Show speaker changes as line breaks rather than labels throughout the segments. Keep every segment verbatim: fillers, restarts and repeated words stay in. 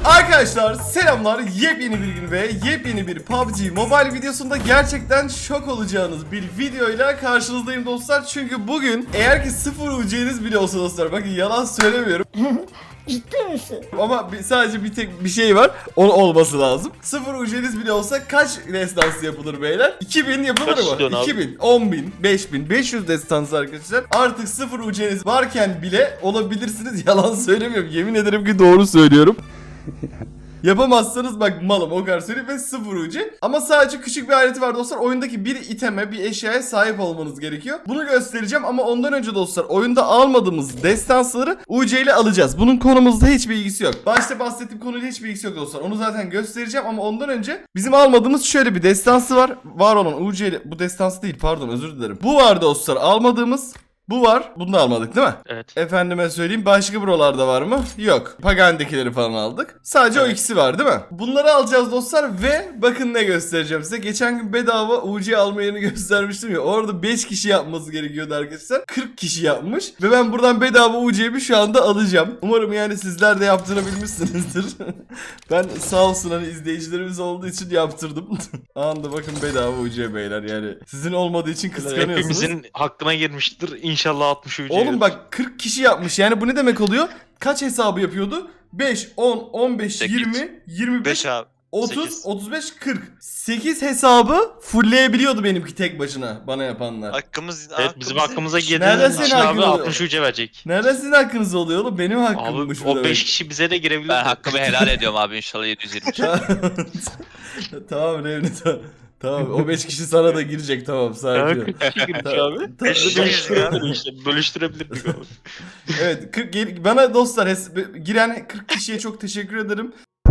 Arkadaşlar selamlar, yepyeni bir gün ve yepyeni bir P U B G Mobile videosunda gerçekten şok olacağınız bir videoyla karşınızdayım dostlar. Çünkü bugün eğer ki sıfır U C'niz bile olsa dostlar, bakın yalan söylemiyorum.
Ciddi misin?
Ama bir, sadece bir tek bir şey var, onun olması lazım. Sıfır U C'niz bile olsa kaç destansı yapılır beyler? iki bin yapılır mı? iki bin, on bin, beş bin, beş yüz destansı arkadaşlar. Artık sıfır U C'niz varken bile olabilirsiniz, yalan söylemiyorum. Yemin ederim ki doğru söylüyorum. Yapamazsanız bak malım, o kadar söyleyeyim, ve sıfır U C. Ama sadece küçük bir aleti var dostlar. Oyundaki bir iteme, bir eşyaya sahip olmanız gerekiyor. Bunu göstereceğim ama ondan önce dostlar, oyunda almadığımız destansları U C ile alacağız. Bunun konumuzda hiçbir ilgisi yok. Başta bahsettiğim konuyla hiçbir ilgisi yok dostlar. Onu zaten göstereceğim ama ondan önce bizim almadığımız şöyle bir destansı var. Var olan U C ile, bu destansı değil pardon, özür dilerim. Bu var dostlar, almadığımız. Bu var. Bunu da almadık değil mi?
Evet.
Efendime söyleyeyim, başka buralarda var mı? Yok. Pagan'dakileri falan aldık. Sadece
Evet.
o ikisi var değil mi? Bunları alacağız dostlar ve bakın ne göstereceğim size. Geçen gün bedava U C alma yerini göstermiştim ya. Orada beş kişi yapması gerekiyordu arkadaşlar. kırk kişi yapmış. Ve ben buradan bedava U C'mi şu anda alacağım. Umarım yani sizler de yaptığını bilmişsinizdir. Ben sağ olsun hani izleyicilerimiz olduğu için yaptırdım. Anında bakın bedava U C beyler, yani sizin olmadığı için kıskanıyorsunuz.
Hepimizin hakkına girmiştir. İnşallah altmış U C.
Oğlum bak kırk kişi yapmış. Yani bu ne demek oluyor? Kaç hesabı yapıyordu? beş, on, on beş,
sekiz.
yirmi, yirmi beş,
beş abi.
otuz,
sekiz.
otuz beş, kırk. sekiz hesabı fullleyebiliyordu benimki tek başına bana yapanlar.
Hakkımız
Evet, bizim
hakkımız-
hakkımıza
Nereden
girdiğiniz
senin
için
hakkın
abi
oluyor?
altmış U C verecek.
Nereden sizin hakkınız oluyor oğlum? Benim
Abi
hakkımmış bu
o
demek.
beş kişi bize de girebilir.
Ben hakkımı helal ediyorum abi, inşallah yedi yüz yirmi.
Tamam Revni, tamam. Tamam, o beş kişi sana da girecek, tamam, sakin ol.
kırk kişi girmiş
Tamam.
abi.
Tamam.
Bölüştürebilirdik işte. Bölüştürebilirdik abi.
Evet, kırk, gel- bana dostlar hes- giren kırk kişiye çok teşekkür ederim.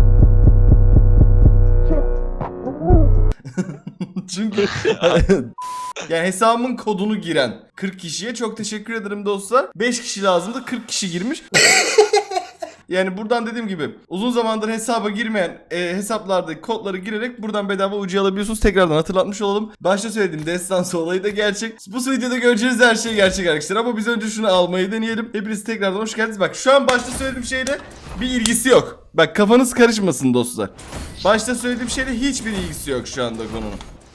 Çünkü yani hesabımın kodunu giren kırk kişiye çok teşekkür ederim dostlar. beş kişi lazımdı, kırk kişi girmiş. Yani buradan dediğim gibi uzun zamandır hesaba girmeyen e, hesaplardaki kodları girerek buradan bedava U C alabiliyorsunuz. Tekrardan hatırlatmış olalım. Başta söylediğim destansı olayı da gerçek. Bu videoda göreceğiniz her şey gerçek arkadaşlar. Ama biz önce şunu almayı deneyelim. Hepiniz tekrardan hoş geldiniz. Bak şu an başta söylediğim şeyle bir ilgisi yok. Bak kafanız karışmasın dostlar. Başta söylediğim şeyle hiçbir ilgisi yok şu anda konunun.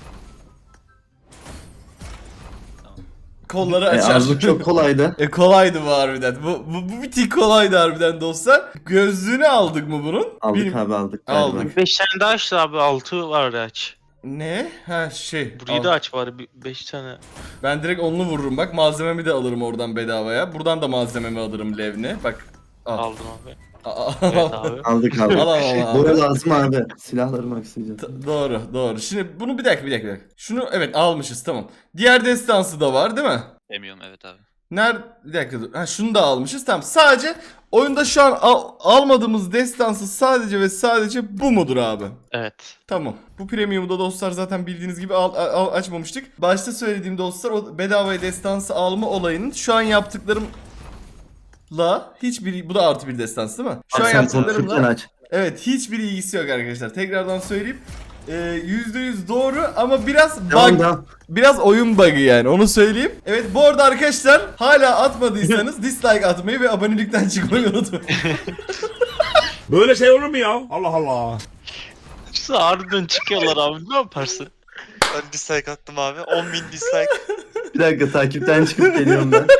Kolları
E,
açar.
Arzu çok kolaydı.
E kolaydı bu harbiden. Bu, bu, bu bir tık kolaydı harbiden dostlar. Gözlüğünü aldık mı bunun?
Aldık
Benim-
abi aldık. galiba.
Aldık.
beş tane daha aç abi. altı var aç.
Ne? Ha şey.
Burayı
al.
da aç var. beş tane.
Ben direkt onlu vururum bak. Malzememi de alırım oradan bedavaya. Buradan da malzememi alırım Levni. Bak. Al.
Aldım abi.
Aa,
Evet abi.
Aldık abi.
Al al al. al.
Boya lazım abi. Silahlarımı aksayacağım.
T- doğru doğru. Şimdi bunu bir dakika bir dakika. bir dakika. Şunu evet almışız, tamam. Diğer destansı da var değil mi?
Demiyorum, evet abi.
Nerede? Bir dakika dur. Ha şunu da almışız, tamam. Sadece oyunda şu an al- almadığımız destansı sadece ve sadece bu mudur abi?
Evet.
Tamam. Bu premium'u da dostlar zaten bildiğiniz gibi al, al- açmamıştık. Başta söylediğim dostlar, o bedavaya destansı alma olayının şu an yaptıklarımla hiçbir, bu da artı bir destansı değil mi? Şu
Abi
an
sen konuşurken
yaptıklarımla
aç.
evet hiçbir ilgisi yok arkadaşlar. Tekrardan söyleyeyim. Ee, yüzde yüz doğru ama biraz
Devam
bug,
devam.
biraz oyun bug'ı yani, onu söyleyeyim. Evet, bu arada arkadaşlar hala atmadıysanız dislike atmayı ve abonelikten çıkmayı unutmayın.
Böyle şey olur mu ya? Allah Allah.
Şu harbiden çıkıyorlar abi. Ne yaparsın?
Ben dislike attım abi. on bin dislike.
Bir dakika takipten çıkıp geliyorum ben.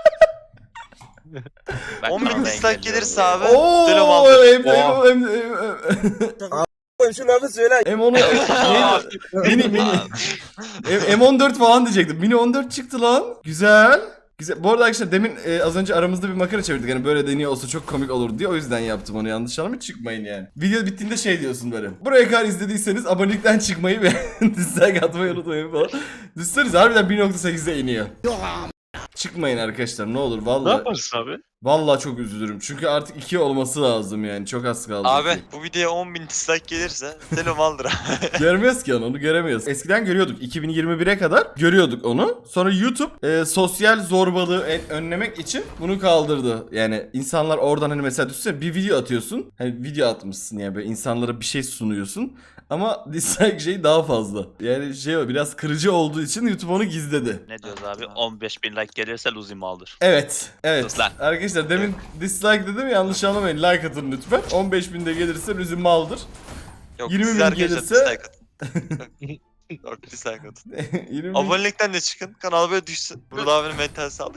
on bin dislike gelirse abi.
Oo,
Selam aldım.
em em em em
Şu lafı söyle.
M on neydi? Mini mini. M- M14 falan diyecektim. Mini on dört çıktı lan. Güzel. Güzel. Bu arada arkadaşlar demin e, az önce aramızda bir makara çevirdik. Hani böyle deniyor olsa çok komik olur diye. O yüzden yaptım onu, yanlış anlamayın, çıkmayın yani. Video bittiğinde şey diyorsun böyle. Buraya kadar izlediyseniz abonelikten çıkmayı ve dislike atmayı unutmayın falan. Düşünsenize harbiden bir nokta sekize iniyor. Çıkmayın arkadaşlar ne olur
Ne
vallahi.
yaparsın abi?
Vallahi çok üzülürüm. Çünkü artık iki olması lazım yani. Çok az kaldı.
Abi
iki.
bu videoya on bin dislike gelirse selam aldır abi.
Görmüyoruz ki onu, onu göremiyoruz. Eskiden görüyorduk. iki bin yirmi bire kadar görüyorduk onu. Sonra YouTube e, sosyal zorbalığı en- önlemek için bunu kaldırdı. Yani insanlar oradan hani mesela düşünsene bir video atıyorsun. Hani video atmışsın yani, böyle insanlara bir şey sunuyorsun. Ama dislike şey daha fazla. Yani şey o, biraz kırıcı olduğu için YouTube onu gizledi.
Ne diyoruz abi? on beş bin like gelirse Luzim'i aldır.
Evet. Evet.
Sus lan.
Arkadaşlar Arkadaşlar demin dislike dedim, yanlış anlamayın, like atın lütfen. on beş binde gelirse Rüzü maldır.
Yok,
yirmi
siz
bin
arkadaşlar
gelirse-
dislike atın. Yok, dislike atın.
yirmi bin...
Abonelikten de çıkın. Kanal böyle düşsün. Burada abinin mental sağlık.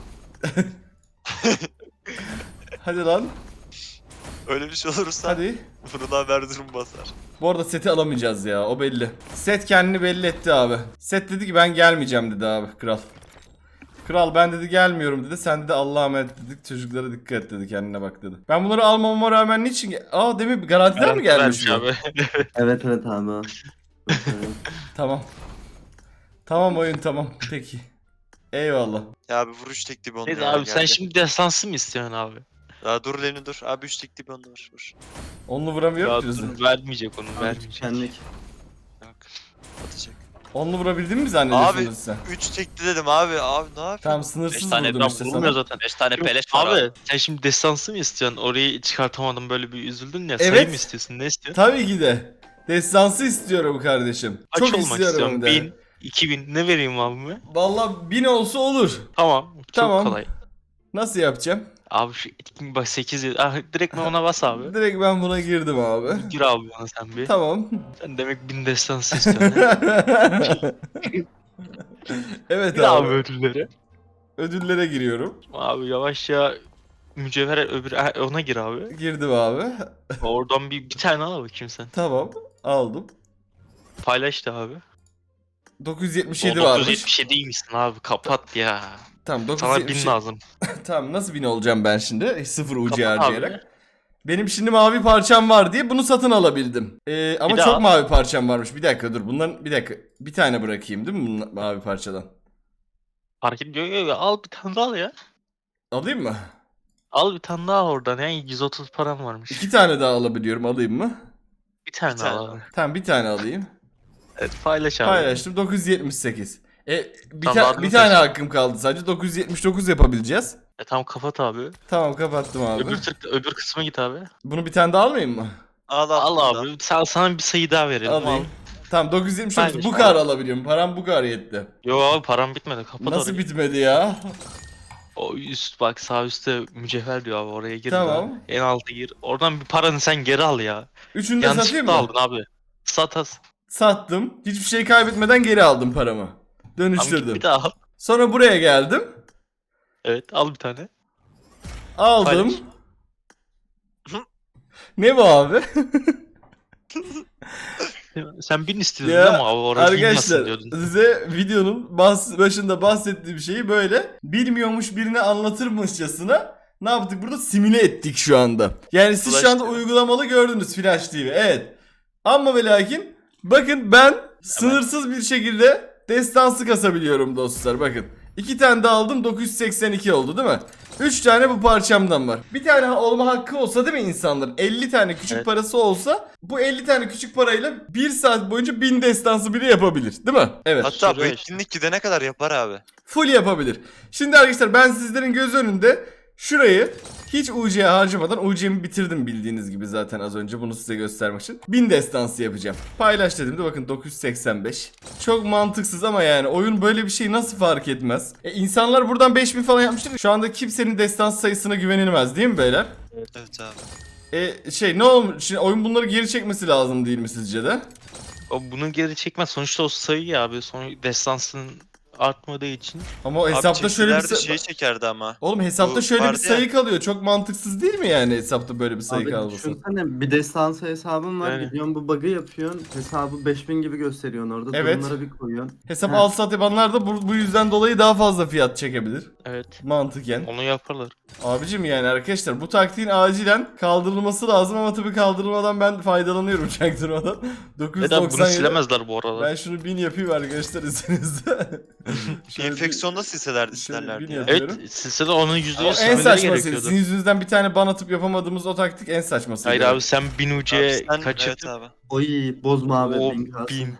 Hadi lan,
Öyle bir şey olursa
hadi.
burada haber durum basar.
Bu arada seti alamayacağız ya, o belli. Set kendini belli etti abi. Set dedi ki ben gelmeyeceğim dedi abi, kral. Kral ben dedi gelmiyorum dedi. Sen de Allah'a emanet dedik. Çocuklara dikkat et dedi. Kendine bak dedi. Ben bunları almamama rağmen niçin... ge- Aa demin garantiden mi gelmiş bu?
Abi.
Evet evet abi. o.
Tamam. Tamam oyun tamam. Peki. Eyvallah.
Ya abi vuruş tekli bir onda
Neyse
ya,
abi sen
geldi.
şimdi destansı mı istiyorsun abi?
Ya dur Leni dur. Abi üç tekli bir onda var. Vur.
Onlu vuramıyorum
Ya
ki Rüzü.
dur, vermeyecek onu vermeyecek.
Tükendik.
Yok. Atacak.
Onlu vurabildin mi zannediyorsun
Abi,
sen?
üç tekli dedim abi. Abi ne yapıyorsun?
Tamam
beş
sınırsız
tane
vurdum
ben
işte
vurulmuyor
sana.
zaten.
beş tane
Yok,
peleş var
abi.
abi.
Sen şimdi destansı mı istiyorsun? Orayı çıkartamadın böyle bir üzüldün ya.
Evet.
Sayı mı istiyorsun? Ne istiyorsun?
Tabii ki de. Destansı istiyorum kardeşim.
Kaç
Çok
olmak
istiyorum
istiyorsun?
hem de.
Bin, iki bin ne vereyim abime?
Vallahi bin olsa olur.
Tamam. Çok
Tamam.
kolay.
Nasıl yapacağım?
Abi şu etkin bak sekiz ah, direkt ben ona bas abi.
Direkt ben buna girdim abi.
Gir abi bana sen bir.
Tamam.
Sen demek bin destansı istiyorsun. ha?
Evet
Gir abi
abi.
ödülleri.
Ödüllere giriyorum.
Abi yavaşça mücevher öbür ah, ona gir abi.
Girdim abi.
Oradan bir, bir tane al bakayım sen.
Tamam. Aldım.
Paylaş da abi.
dokuz yüz yetmiş
O
yedi
dokuz yüz
varmış.
yetmiş yedi iyiymişsin abi kapat ya.
Tamam
Sana bin
dokuz yüz yetmiş.
lazım.
Tamam nasıl bin olacağım ben şimdi? Sıfır U C
Kapat
harcayarak.
abi.
Benim şimdi mavi parçam var diye bunu satın alabildim. Ee, ama
Bir daha
çok
al.
mavi parçam varmış. Bir dakika dur. Bunların bir dakika. Bir tane bırakayım değil mi bunun mavi parçadan?
Fark ediyor. Yok, yok, al bir tane daha al ya.
Alayım mı?
Al bir tane daha oradan ya. yüz otuz param varmış.
İki tane daha alabiliyorum. Alayım mı?
Bir tane
Bir tane
al abi.
Tamam bir tane alayım.
Evet paylaş abi.
Paylaştım. dokuz yüz yetmiş sekiz. E, bir,
Tamam,
ta-
adını
bir tane
seç.
hakkım kaldı sadece. dokuz yüz yetmiş dokuz yapabileceğiz.
E tamam kapat abi.
Tamam kapattım abi.
Öbür tık, öbür kısma git abi.
Bunu bir tane daha almayayım mı?
Al
Al
al.
abi. Sana, sana bir sayı daha verelim.
Alayım.
Al.
Tamam dokuz yüz yetmiş dokuz
Paylaş
bu
abi.
kadar alabiliyorum. Param bu kadar yetti.
Yo abi param bitmedi. Kapat
Nasıl
orayı.
bitmedi ya?
O üst bak sağ üstte mücevher diyor abi oraya gir.
Tamam.
Abi. En altı gir. Oradan bir paranı sen geri al ya.
Üçünü de satayım
Yanlışlıkla
mı?
aldın abi. Sat as.
Sattım. Hiçbir şey kaybetmeden geri aldım paramı.
Tamam, git
Dönüştürdüm.
bir daha al.
Sonra buraya geldim.
Evet al bir tane.
Aldım.
Paylaş.
Ne bu abi?
Sen bin istiyordun
Ya,
değil mi abi? Orası
Arkadaşlar
inmasın diyordun.
size videonun bas, başında bahsettiğim şeyi böyle bilmiyormuş birine anlatırmışçasına ne yaptık burada, simüle ettik şu anda. Yani siz
Flash
şu anda
T V.
uygulamalı gördünüz Flash T V, evet. Ama ve lakin bakın ben sınırsız bir şekilde destansı kasabiliyorum dostlar, bakın. İki tane de aldım, dokuz yüz seksen iki oldu değil mi? Üç tane bu parçamdan var. Bir tane olma hakkı olsa değil mi insanların? elli tane küçük
Evet.
parası olsa bu elli tane küçük parayla bir saat boyunca bin destansı bile yapabilir değil mi? Evet.
Hatta bu
Şuraya
etkinlik gidene kadar yapar abi.
Full yapabilir. Şimdi arkadaşlar ben sizlerin göz önünde şurayı hiç U C harcamadan, U C'mi bitirdim bildiğiniz gibi zaten az önce, bunu size göstermek için. bin destansı yapacağım. Paylaş dediğimde bakın dokuz yüz seksen beş. Çok mantıksız ama yani oyun böyle bir şey nasıl fark etmez? E, insanlar buradan beş bin falan yapmıştır. Şu anda kimsenin destansı sayısına güvenilmez değil mi beyler?
Evet abi.
E şey ne olmuş? Şimdi oyun bunları geri çekmesi lazım değil mi sizce de?
O bunu geri çekmez. Sonuçta o sayı ya abi. Son destansının artmadığı için.
Ama o hesapta
abi
şöyle bir
çekilerde
say-
şey çekerdi ama.
Oğlum hesapta
Bu
şöyle bir
vardı ya.
sayı kalıyor. Çok mantıksız değil mi yani hesapta böyle bir sayı
Abi
kalması?
düşünsene bir destansı hesabın var,
Yani.
gidiyorsun bu bug'ı yapıyorsun, hesabı beş bin gibi gösteriyorsun orada,
Evet.
durumlara bir koyuyorsun.
Hesap
Ha.
al sat yapanlar da bu, bu yüzden dolayı daha fazla fiyat çekebilir.
Evet.
Mantıken.
Onu yaparlar.
Abicim yani arkadaşlar bu taktiğin acilen kaldırılması lazım ama tabii kaldırılmadan ben faydalanıyorum çaktırmadan. dokuz yüz
Neden bunu
doksan yedi.
silemezler bu arada.
Ben şunu bin yapayım arkadaşlar izninizle. Şöyle bir-
Enfeksiyonda silselerdi
şöyle
isterlerdi
bir
ya.
yapayım.
Evet silsile onun yüzde
O
yüz
en
silmeleri
saçması.
gerekiyordu.
Sizin yüzünüzden bir tane ban atıp yapamadığımız o taktik en saçması.
Hayır abi sen bin U C
Abi sen-
kaçırdın.
Evet abi.
Oy bozma abi,
O
bin kalsın.
bin.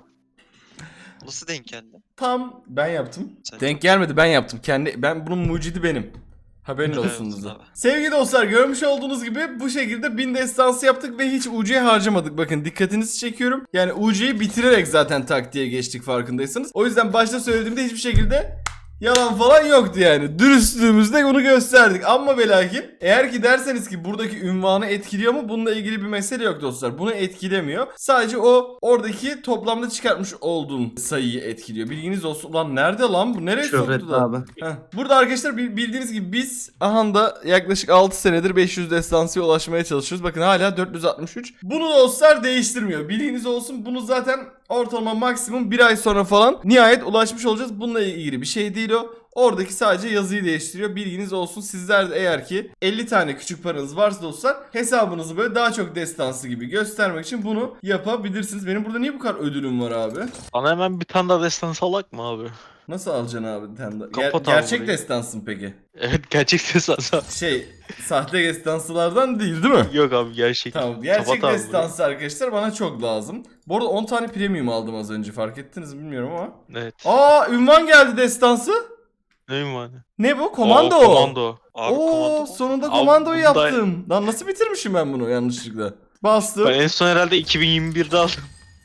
Nasıl denk geldi?
Tam ben yaptım.
Sen-
Denk gelmedi, ben yaptım. Kendi ben bunun mucidi benim. Haberin
Evet,
olsun size.
abi.
Sevgili dostlar görmüş olduğunuz gibi bu şekilde bin destansı yaptık ve hiç U C harcamadık. Bakın dikkatinizi çekiyorum. Yani U C'yi bitirerek zaten taktiğe geçtik farkındaysanız. O yüzden başta söylediğimde hiçbir şekilde Yalan falan yoktu yani. Dürüstlüğümüzde bunu gösterdik. Ama ve lakin eğer ki derseniz ki buradaki ünvanı etkiliyor mu? Bununla ilgili bir mesele yok dostlar. Bunu etkilemiyor. Sadece o oradaki toplamda çıkartmış olduğum sayıyı etkiliyor. Bilginiz olsun. Ulan nerede lan bu? Nereye
Şöhret
soktu da?
abi.
Heh. Burada arkadaşlar bil- bildiğiniz gibi biz aha da yaklaşık altı senedir beş yüz destansıya ulaşmaya çalışıyoruz. Bakın hala dört yüz altmış üç. Bunu dostlar değiştirmiyor. Bilginiz olsun. Bunu zaten ortalama maksimum bir ay sonra falan nihayet ulaşmış olacağız. Bununla ilgili bir şey değil o. Oradaki sadece yazıyı değiştiriyor. Bilginiz olsun. Sizler de eğer ki elli tane küçük paranız varsa dostlar hesabınızı böyle daha çok destansı gibi göstermek için bunu yapabilirsiniz. Benim burada niye bu kadar ödülüm var abi?
Bana hemen bir tane daha destan salak mı abi?
Nasıl alacaksın abi bir tane daha? Ger-
Kapat abi
gerçek
burayı.
destansın peki?
Evet gerçek destan.
Şey sahte destansılardan değil değil mi?
Yok abi gerçek.
Tamam gerçek
Kapat abi
destansı arkadaşlar bana çok lazım. Bu arada on tane premium aldım az önce fark ettiniz mi bilmiyorum ama.
burayı. Evet.
Aa ünvan geldi destansı.
Neyim var?
Ne bu? Komando.
Oo, komando.
Abi
Oo
komando.
sonunda
Abi,
komandoyu
bunda-
yaptım. Lan nasıl bitirmişim ben bunu yanlışlıkla? Bastım.
Ben en son herhalde iki bin yirmi birde aldım.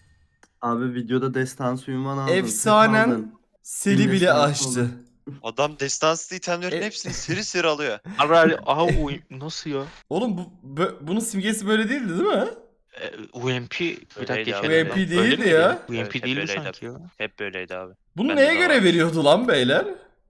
Abi videoda destansı ünvan aldın.
Efsanen
tek aldın.
Seli bile
Destansı
açtı.
oldu.
Adam destanslı itemlerin
E-
hepsini seri seri alıyor.
Abi abi, aha U- nasıl ya?
Oğlum bu bö- bunun simgesi böyle değildi değil mi?
E, U M P bir dakika
Öyleydi abi.
geçelim.
U M P
Öyle
değildi
miydi?
ya.
U M
Evet,
P
hep
değildi
öyleydi
sanki ya.
Hep böyleydi abi.
Bunu
Bende
neye
de
göre
var.
veriyordu lan beyler?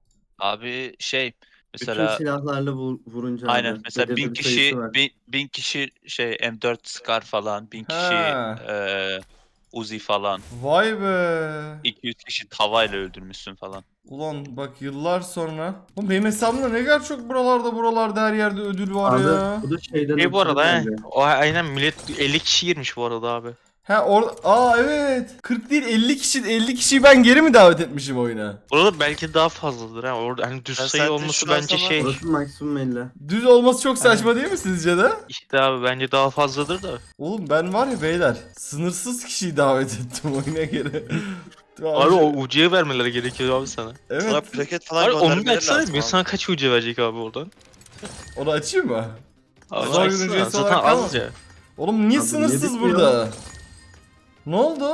Abi şey
Bütün
mesela
silahlarla vur- vurunca abi.
aynen mesela
belirli
bin
bir
kişi
sayısı var.
bin, bin kişi şey M dört Scar falan bin kişi
Ha.
eee Uzi falan
Vay be.
iki yüz kişi tavayla öldürmüşsün falan.
Ulan bak yıllar sonra. Oğlum benim hesabımda ne kadar çok buralarda buralarda her yerde ödül var
Abi
ya.
bu da şeyden
Şey bu arada he.
ötürü bence.
O aynen millet elli kişi girmiş bu arada abi.
Ha orada aa evet. kırk değil elli kişi elli kişiyi ben geri mi davet etmişim oyuna?
Burada belki daha fazladır ha. Orada hani düz
Ben
sayı
zaten
olması
şu an
bence
sana-
şey.
Orası maksimum elli.
Düz olması çok saçma değil mi sizce de?
İşte abi bence daha fazladır da.
Oğlum ben var ya beyler sınırsız kişiyi davet ettim oyuna göre.
Abi o U C'ye vermeleri gerekiyor abi sana.
Evet.
Sana plaket falan
Abi onu
göndermeleri
açsana
lazım
bir
abi.
sana kaç U C verecek abi oradan?
Onu açayım mı?
Abi
Zor
açsana,
ücretsiz
zaten
olarak
az
kalmaz.
ya.
Oğlum niye
Abi
sınırsız
niye bitmiyor?
burada? Ne oldu?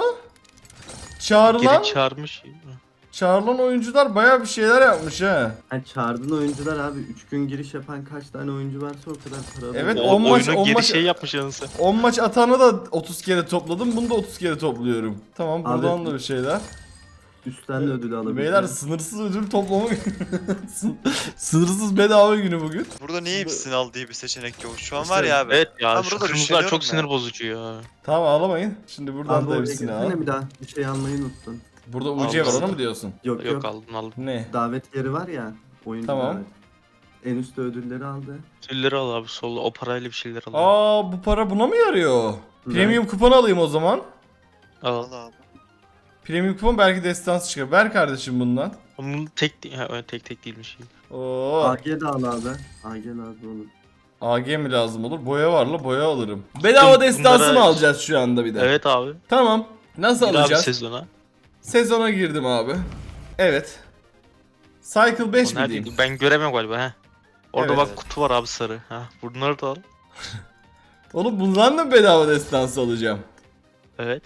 Çağrılan,
Geri çağırmış.
çağrılan oyuncular baya bir şeyler yapmış ha.
Ha, çağırdığın oyuncular abi üç gün giriş yapan kaç tane oyuncu varsa o kadar para alıyor.
Evet,
O,
on maç-
oyunun
on
geri
maç-
şey yapmış yanısı.
on maç atanı da otuz kere topladım. Bunu da otuz kere topluyorum. Tamam
Abi-
buradan da bir şeyler.
Üstten de ödül alabiliyor.
Beyler sınırsız ödül toplama sınırsız bedava günü bugün.
Burada niye hepsini al diye bir seçenek yok. Şu an var ya abi.
Evet ya
Ben
şu
burada
kırmızılar çok
üşeniyorum
sinir
ya.
bozucu ya.
Tamam ağlamayın. Şimdi buradan
Abi
da
oraya
hepsini al.
gelsene bir daha. Bir şey almayı unuttun.
Burada U C var
Aldım.
onu mu diyorsun?
Yok yok.
Yok aldım aldım.
Ne?
Davet yeri var ya. Oyuncu
Tamam.
davet. En üstte ödülleri aldı.
Tülleri al abi solda o parayla bir şeyler al.
Aa bu para buna mı yarıyor? Premium kupon alayım o zaman.
Al.
Al abi.
Premium kupon belki destansı çıkar. Ver kardeşim bundan.
Bunun tek değil, ha, öyle tek tek değilmiş.
Oo.
A G de al abi. A G lazım olur.
A G mi lazım olur? Boya var la boya alırım. Bedava destansı
bunlara-
mı alacağız şu anda bir de?
Evet abi.
Tamam. Nasıl
Bir abi
alacağız?
sezona.
Sezona girdim abi. Evet. Cycle beş
O
mi
neredeydi?
diyeyim?
Ben göremiyorum galiba ha. Orada
Evet,
bak
evet.
kutu var abi sarı. Ha bunları da al.
Oğlum bundan da mı bedava destansı alacağım?
Evet.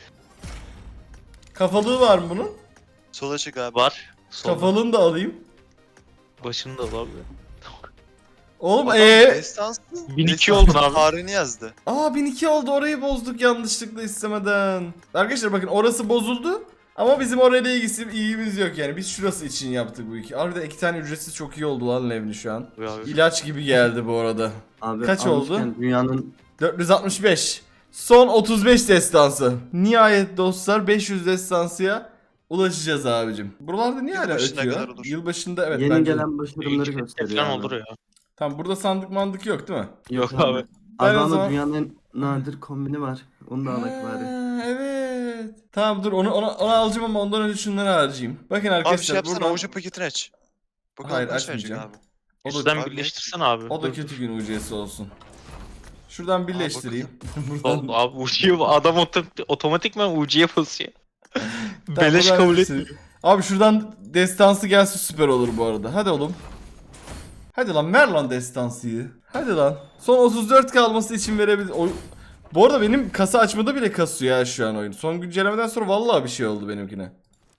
Kafalığı var mı bunun?
Sola çık abi.
Var. Solda.
Kafalığını da alayım.
Başını da al abi.
Oğlum
Adam
ee
Destanslı.
bin iki
Destanslı
oldun abi.
Tarihini yazdı.
Aa bin iki oldu orayı bozduk yanlışlıkla istemeden. Arkadaşlar bakın orası bozuldu. Ama bizim orayla ilgisi ilgimiz yok yani. Biz şurası için yaptık bu iki. Harbiden iki tane ücretsiz çok iyi oldu lan Levni şu an.
Abi, abi.
İlaç gibi geldi bu arada.
Abi
Kaç
almışken
oldu?
Dünyanın
dört yüz altmış beş. Son otuz beş destansı. Nihayet dostlar beş yüz destansıya ulaşacağız abicim. Buralarda niye hala
Yılbaşına kadar
ötüyor?
olur.
Yılbaşında evet
yeni
bence de.
gelen başarımları
İki
gösteriyor
falan
abi.
olur ya.
Tamam burada sandık mandık yok değil mi?
Yok abi.
Ben
Abi
o
ama
zaman-
dünyanın en nadir kombini var. Onu da alak bari.
Ha, evet. Tamam dur onu, onu, onu alacağım ama ondan önce şunları harcayayım. Bakın
Abi şey
arkadaşlar
yapsana
buradan...
avucu paketini aç. Bakalım
Hayır,
kaç verecek
açmayacağım.
abi.
O da,
Üstten
abi,
birleştirsen abi.
o da
Dur,
kötü
dur.
gün ucuyesi olsun. Şuradan birleştireyim.
Oğlum, abi U C'ye adam otom- otomatikman U C'ye basıyor.
Tamam,
Beleş
buradan
kabul
birleştireyim.
etmiyor.
Abi şuradan destansı gelse süper olur bu arada. Hadi oğlum. Hadi lan ver lan destansıyı. Hadi lan. Son otuz dört kalması için verebilir. Oy... Bu arada benim kasa açmada bile kasıyor ya şu an oyun. Son güncellemeden sonra vallahi bir şey oldu benimkine.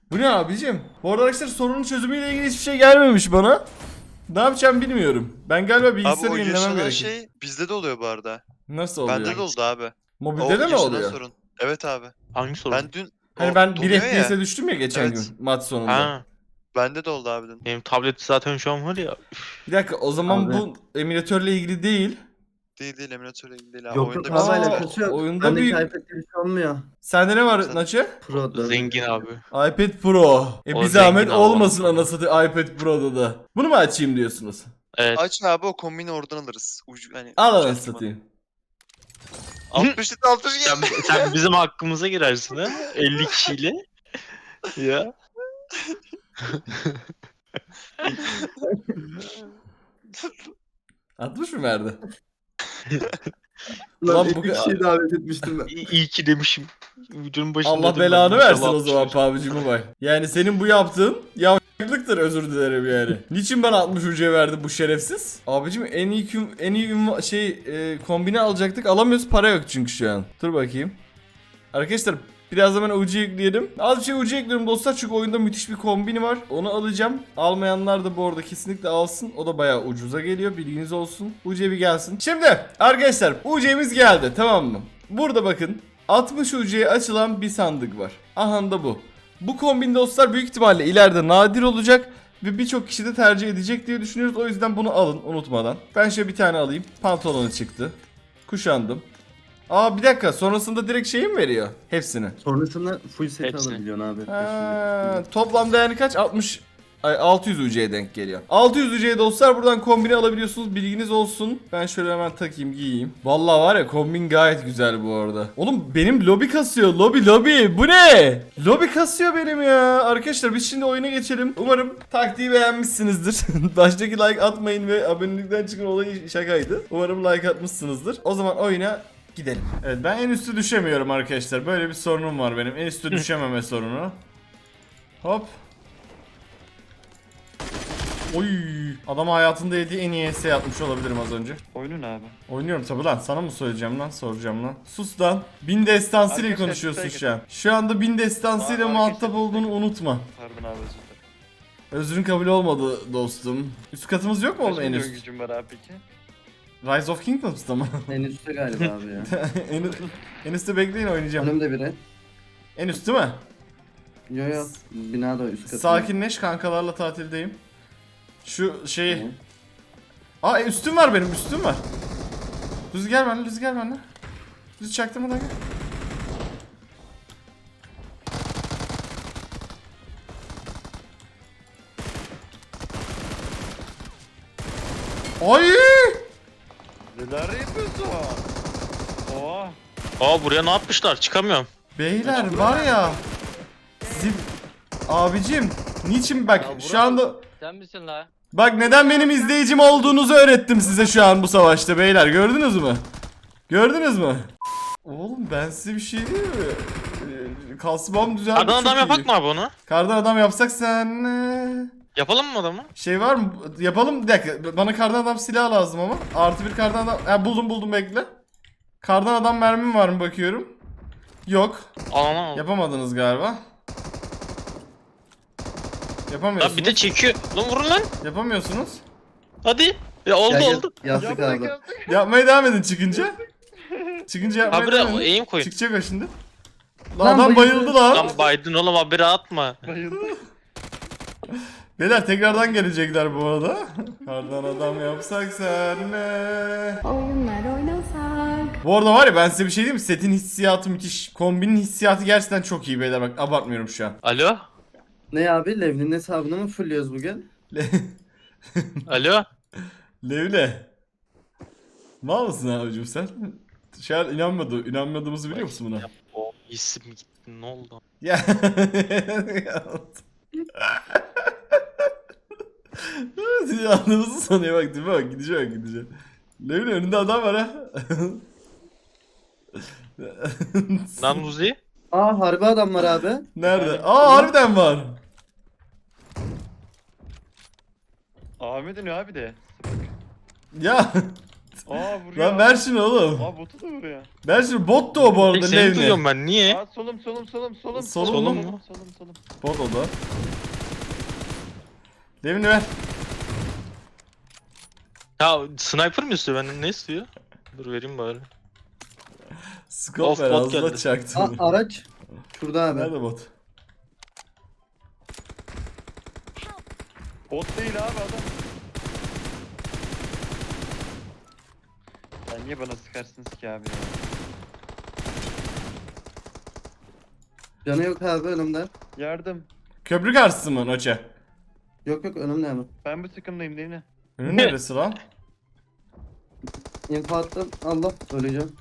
Bu ne abicim? Bu arada arkadaşlar sorunun çözümüyle ilgili hiçbir şey gelmemiş bana. Ne yapacağım bilmiyorum. Ben galiba
Abi
bilgisayarı
o
yenilemem
yaşanan
gerekiyor.
şey bizde de oluyor bu arada.
Nasıl oluyor?
Bende de oldu abi.
Mobilde de mi
yaşanan
oluyor?
sorun. Evet abi.
Hangi sorun?
Ben dün
Hani
o
ben bir
donuyor
F P S'e düştüm ya geçen
Evet.
gün maç sonunda.
Ha,
Bende de oldu abi dün.
benim tablet zaten şu an var ya.
Bir dakika o zaman
Abi.
bu emülatörle ilgili değil.
Değil değil emülatörle ilgili değil abi.
Yok
Oyunda
yok
bir
abi
Aa,
alakası yok.
oyunda
Bendeki
büyük-
iPad'de bir şey olmuyor.
Sende ne var
Sen-
Naçı?
Pro da.
Zengin abi.
iPad Pro. E
O
bir zahmet
zengin abi.
olmasın anasını iPad Pro'da da. Bunu mu açayım diyorsunuz?
Evet.
Aç abi o kombini oradan alırız. Ucu, hani,
Al
ucu
anasını
açma.
satayım.
altmış litre altmış
Sen,
geldi.
sen bizim hakkımıza girersin ha. elli kişiyle. Ya.
altmış mı verdi?
Lan
Lan
elli
bu-
kişiyi davet etmiştim ben.
İyi, iyi ki demişim. Videonun başında
Allah
dedim ben,
belanı
inşallah
versin o zaman
atmışlar.
P U B G Mobile. Yani senin bu yaptığın yavşaklıktır, özür dilerim yani. Niçin ben altmış ucuya verdi bu şerefsiz? Abicim en iyi küm- en iyi ünva- şey e, kombine alacaktık, alamıyoruz, para yok çünkü şu an. Dur bakayım. Arkadaşlar biraz hemen ucu ekleyelim. Az bir şey ucu ekliyorum dostlar çünkü oyunda müthiş bir kombini var. Onu alacağım. Almayanlar da bu arada kesinlikle alsın. O da bayağı ucuza geliyor, bilginiz olsun. U C bir gelsin. Şimdi arkadaşlar U C'miz geldi, tamam mı? Burada bakın altmış U C'ye açılan bir sandık var. Aha da bu. Bu kombin dostlar büyük ihtimalle ileride nadir olacak ve birçok kişi de tercih edecek diye düşünüyoruz. O yüzden bunu alın unutmadan. Ben şöyle bir tane alayım. Pantolonu çıktı. Kuşandım. Aa bir dakika, sonrasında direkt şeyi mi veriyor? Hepsini.
Sonrasında full set
Hepsi.
alabiliyorsun abi.
Ha, toplamda yani kaç? altmış ay altı yüz U C'ye denk geliyor. altı yüz U C'ye dostlar buradan kombini alabiliyorsunuz. Bilginiz olsun. Ben şöyle hemen takayım, giyeyim. Vallahi var ya, kombin gayet güzel bu arada. Oğlum benim lobi kasıyor. Lobi lobi. Bu ne? Lobi kasıyor benim ya. Arkadaşlar biz şimdi oyuna geçelim. Umarım taktiği beğenmişsinizdir. Baştaki like atmayın ve abonelikten çıkın olayı şakaydı. Umarım like atmışsınızdır. O zaman oyuna gidelim. Evet, ben en üstü düşemiyorum arkadaşlar. Böyle bir sorunum var benim. En üstü düşememe sorunu. Hop. Oy. Adam hayatında yediği en iyi essay yapmış olabilirim az önce.
Oyunun abi.
Oynuyorum tabi lan. Sana mı söyleyeceğim lan? Soracağım lan. Sus lan. Bin destansıyla
Arkadaşlar,
konuşuyorsun
size
şu an. Şu anda bin destansıyla
Aa,
muhatap
arkadaşlar,
olduğunu unutma.
Pardon abi özür dilerim.
Özrün kabul olmadı dostum. Üst katımız yok mu oğlum
Kaç
en
milyon
üst?
gücüm var abi peki?
Rise of Kingdoms'ta mı?
En üstte galiba abi ya.
en, en üstte bekleyin, oynayacağım.
Önümde biri.
En üst değil mi?
Yo yo. Binada üst katı.
Sakinleş, kankalarla tatildeyim. Şu şeyi...
Tamam.
Aa e, üstüm var benim, üstüm var. Rüzgar benle, rüzgar benle. Rüz çaktırmadan gel. Ay!
Neler yapıyorsun? Oha.
Aa buraya ne yapmışlar? Çıkamıyorum.
Beyler var ya. Zip... Abicim, niçin bak şu anda...
Sen misin la?
Bak neden benim izleyicim olduğunuzu öğrettim size şu an bu savaşta beyler, gördünüz mü? Gördünüz mü? Oğlum ben size bir şey diyeyim mi? Ee, Kasmam düzeldi,
Kardan
çok
adam
iyi.
yapak mı abi onu?
Kardan adam yapsak sen... ee,
Yapalım mı adamı?
Şey var mı? Yapalım, bir dakika. Bana kardan adam silah lazım ama. Artı bir kardan adam... Ha, buldum buldum, bekle. Kardan adam mermim var mı bakıyorum. Yok.
Aman.
Yapamadınız galiba. Yapamıyorsunuz.
Lan bir de çekiyor. Lan vurun lan.
Yapamıyorsunuz.
Hadi. Ya oldu
Gel, gel.
oldu.
Yazdık abi.
Yapmaya devam edin çıkınca. Çıkınca yapmaya
Abi
devam edin.
eğim koyun.
Çıkacak o şimdi. Lan,
Lan
adam
bayıldı.
bayıldı lan.
Lan Biden oğlum haberi atma.
Bayıldı.
Beyler tekrardan gelecekler bu arada. Kardan adam yapsak senle.
Oyunlar oynasak.
Bu arada var ya, ben size bir şey diyeyim mi? Setin hissiyatı müthiş. Kombinin hissiyatı gerçekten çok iyi beyler, bak abartmıyorum şu an.
Alo?
Ne abi? Levni'nin hesabını mı fulluyoruz bugün?
Alo?
Levle. Mal mısın abicim sen? Şu an inanmadı, inanmadığımızı biliyor musun buna?
O isim gitti, ne oldu?
Ya. Yalnızı sanıyor bak, değil mi? Bak gidecek, bak gidecek. Levle önünde adam var ha.
Lan Uzi?
Aa harbi adam var abi.
Nerede? Aa harbiden var.
Ahmet'in abi de.
Ya
Aa vuruyor.
Lan ver şunu oğlum.
Aa botu da vuruyor.
Ver şunu. Bot da o bu arada
Seni
Levni.
duyuyorum ben. Niye?
Aa solum solum solum solum.
Solum
mu?
Solum solum solum.
Bot o da. Levni ver.
Ya sniper mı istiyor benden? Ne istiyor? Dur vereyim bari.
Scope
Of,
ver
bot
ağzına
geldi.
çaktım.
Aa, araç. Şurada abi.
Nerede bot?
Bot değil abi adam. Ya niye bana sıkarsınız ki abi ya?
Canı yok abi önümde.
Yardım.
Köprü karşısı mı Noche?
Yok yok önümde hemen.
Ben bu takımdayım değil mi?
Önü neresi lan?
İnfo attım. Allah öleceğim.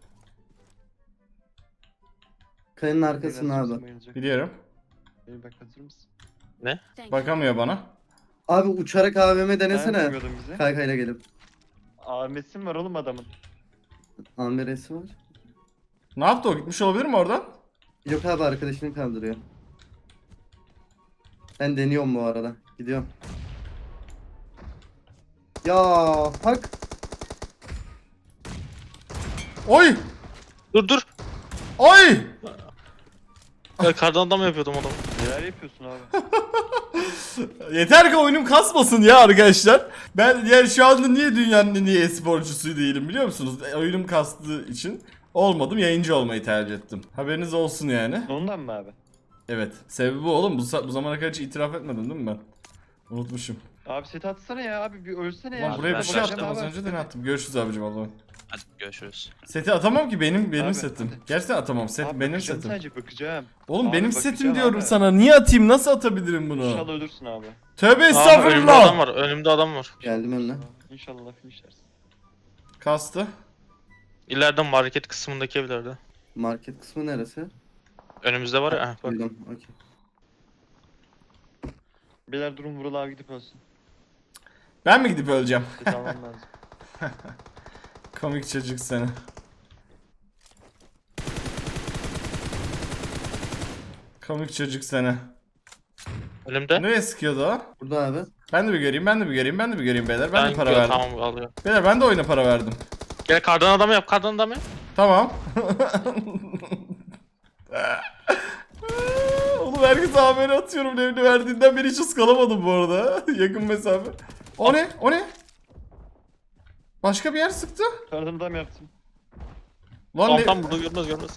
Kayanın arkasında
Biraz
abi.
bayılacak.
Biliyorum.
Ee, bak hazır mısın?
Bakamıyor bana.
Abi uçarak A V M
Ben
denesene.
bilmiyordum bizi.
Kaykayla gelip.
Ahmet'sin var oğlum adamın.
Amberesi var.
Ne yaptı o? Gitmiş olabilir mi oradan?
Yok abi arkadaşını kaldırıyor. Ben deniyorum bu arada. Gidiyorum. Ya hak.
Oy!
Dur dur.
Oy!
Ya kardan adam yapıyordum adamı.
Neler yapıyorsun abi?
Yeter ki oyunum kasmasın ya arkadaşlar. Ben yani şu anda niye dünyanın en iyi e-sporcusu değilim biliyor musunuz? E, Oyunum kastığı için olmadım, yayıncı olmayı tercih ettim. Haberiniz olsun yani.
Ondan mı abi?
Evet. Sebebi bu oğlum. Bu, sa- bu zamana kadar hiç itiraf etmedim değil mi ben? Unutmuşum.
Abi set atsana ya abi bir ölsene ya.
Ulan buraya
ben
bir şey
bırakacağım
attım az
abi.
önce de ne attım? Görüşürüz abicim Allah'ım.
Hadi görüşürüz.
Seti atamam ki benim benim
Abi,
setim.
hadi.
Gerçekten atamam. Set
Abi
benim
bakacağım
setim.
sadece bakacağım.
Oğlum
Abi
benim
bakacağım
setim diyorum
abi.
sana. Niye atayım? Nasıl atabilirim bunu?
İnşallah ölürsün abi.
Tövbe
Aa, önümde adam
estağfurullah.
var. Önümde adam var.
Geldim önüne.
İnşallah finishlersin.
Kastı.
İleride market kısmındaki evlerde.
Market kısmı neresi?
Önümüzde var ya. Heh, bak.
Duydum. Okey.
Beyler durum Vural abi gidip ölsün.
Ben mi gidip öleceğim?
Set almam lazım.
Komik çocuk seni. Komik çocuk seni.
Önümde.
Nereye sıkıyordu o?
Burada abi.
Ben de bir göreyim, ben de bir göreyim, ben de bir göreyim beyler. Ben, de para
gö-
verdim.
Tamam alıyor.
Beyler ben de oyuna para verdim.
Gel kardan adamı yap. Kardan adamı yap.
Tamam. Oğlum herkese haberi atıyorum. Evini verdiğinden beri hiç ıskalamadım bu arada. Yakın mesafe. O ne? O ne? Başka bir yer sıktı.
Kardan adam yaptım.
Lan
Tamam
ne?
tamam bunu görmez görmez.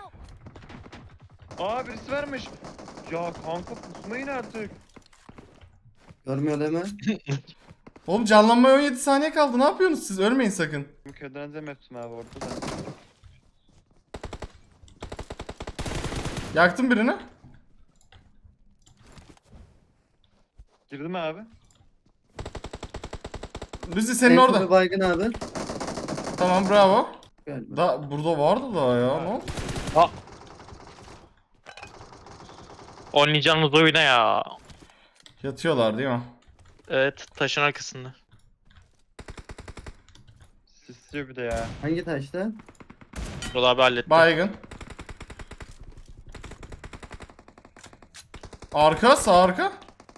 Aa birisi vermiş. Ya kanka pusmayın artık.
Görmüyor deme.
Oğlum canlanmaya on yedi saniye kaldı. Ne yapıyorsunuz siz? Ölmeyin sakın.
Ködenizem yaptım abi orada da.
Yaktım birini.
Girdi mi abi?
Lüzi senin
En
orada.
tabii baygın abi.
Tamam bravo.
Galiba.
Da burada vardı daha ya. Ne oldu?
Oynayacağınız oyuna ya.
Yatıyorlar değil mi?
Evet taşın arkasında.
Sisliyor bir de ya.
Hangi taşta?
Vural abi halletti.
Baygın. Arka, sağ arka.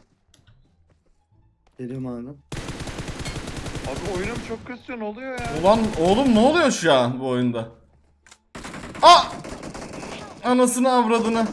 Geliyorum abi.
Abi oyunum çok kasıyor ne oluyor ya?
Ulan oğlum ne oluyor şu an bu oyunda? Aa! Anasını avradını.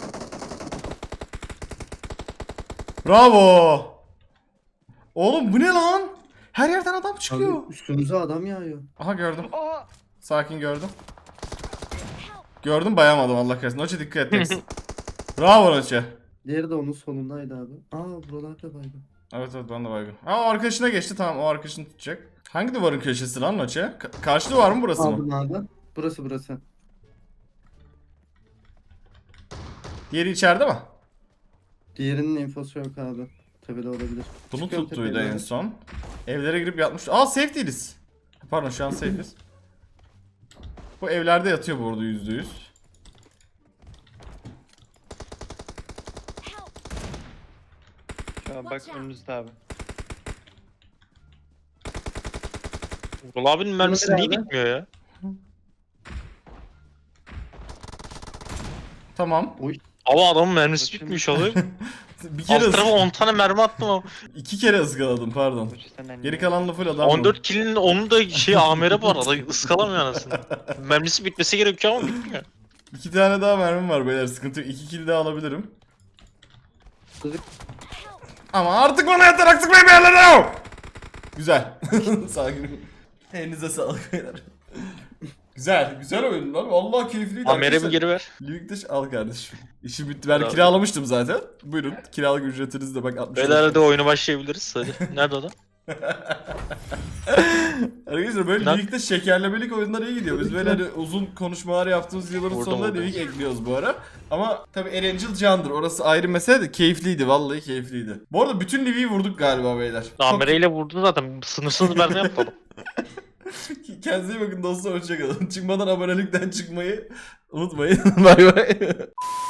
Bravo. Oğlum bu ne lan? Her yerden adam çıkıyor.
Abi üstümüze adam yağıyor.
Aha gördüm.
Aa!
Sakin gördüm. Gördüm bayamadım Allah kahretsin. Noche dikkat et. Bravo Noche.
Diğeri de onun solundaydı abi. Aa buralarda baygın.
Evet evet ben de baygın. Aa o arkadaşına geçti tamam o arkadaşını tutacak. Hangi duvarın köşesi lan Noche? Ka- karşı duvar mı burası mı?
Aldım abi. Burası burası.
Diğeri içeride mi?
Diğerinin infosu yok abi. Tepede olabilir.
Bunu
Çıkıyorum
tuttuydu
tepeye
en
doğru.
son. Evlere girip yatmış. Aa safe değiliz. Pardon şu an safe'iz. Bu evlerde yatıyor bu arada yüzde yüz.
Şu an bak önünüzde abi.
Vural abinin mermisi
Bunu
niye
ver abi.
gitmiyor ya?
Tamam.
Ama adamın mermisi
Bakayım.
bitmiş alır.
Bir kere
Alt tarafa
ısk-
on tane mermi attım ama.
iki kere ıskaladım pardon. Geri kalanla full adam.
on dört kill'in onu da şey amere bu arada ıskalamıyor anasını. Mermisi bitmesi gerekiyor ama bitmiyor.
İki tane daha mermim var beyler, sıkıntı yok. İki kill daha alabilirim. Ama artık bana yeter, artık benim yerlerim. Güzel. Sakin. Elinize sağlık beyler. Güzel, güzel oyun lan. Vallahi keyifliydi.
Ameremi geri ver.
Livik'te al kardeşim. İşi bitti. Ben
Bravo.
kiralamıştım zaten. Buyurun. Kiralık ücretiniz de bak altmış.
Beyler hadi oyunu başlayabiliriz hadi. Nerede o da?
Arkadaşlar böyle
Lan-
Livik'te şekerlemelik oyunlar iyi gidiyor. Biz böyle hani uzun konuşmalar yaptığımız yılların
Vurdum,
sonunda
vurdum.
Livik ekliyoruz bu ara. Ama tabi Erangel candır. Orası ayrı mesele de keyifliydi. Vallahi keyifliydi. Bu arada bütün Livik'i vurduk galiba beyler. Çok-
Amereyle vurdu zaten. Sınırsız mermi yapalım.
Kendinize iyi bakın dostlar. Hoşçakalın. Çıkmadan abonelikten çıkmayı unutmayın. Bay bay.